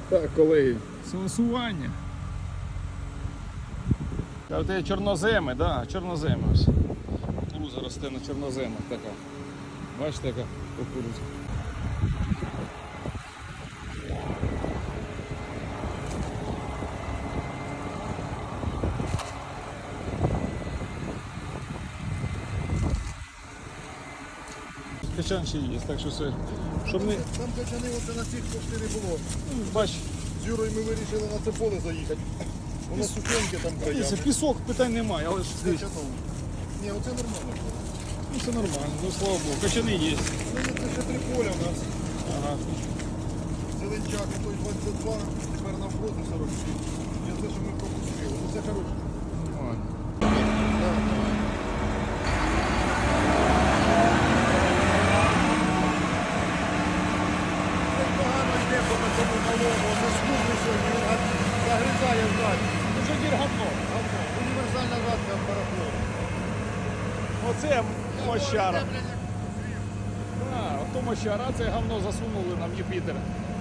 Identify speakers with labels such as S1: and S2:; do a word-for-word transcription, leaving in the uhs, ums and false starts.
S1: Так, колеги, силосування. А це чорноземи, да, чорноземи ось. Кукуруза росте на чорноземах така. Бачите, яка кукуруза. Качан ще є, так що все. Щоб не...
S2: Там качани оце на цих почти не було.
S1: Бач,
S2: З Юрою ми вирішили на це поле заїхати. Воно сухеньке там
S1: дивіться,
S2: краями.
S1: пісок, питань немає, але ж дивіться.
S2: Качаном. Ні, оце нормально.
S1: Ну, все нормально, ну слава Богу, качани є.
S2: Ну, це ще три поля у нас.
S1: Ага.
S2: Зеленчак, той двадцять два, тепер навпроти сорок сім. Я те, що ми пропустили. Ну це хороше.
S1: Нормально.
S2: Це погано йде по цьому малому, це скупний сьогодні, він аж загризає вдаль.
S1: Ну що дір говно.
S2: Універсальна гадка парафлор.
S1: Оце мощара. А, ото мощара, це говно засунули нам Юпітер.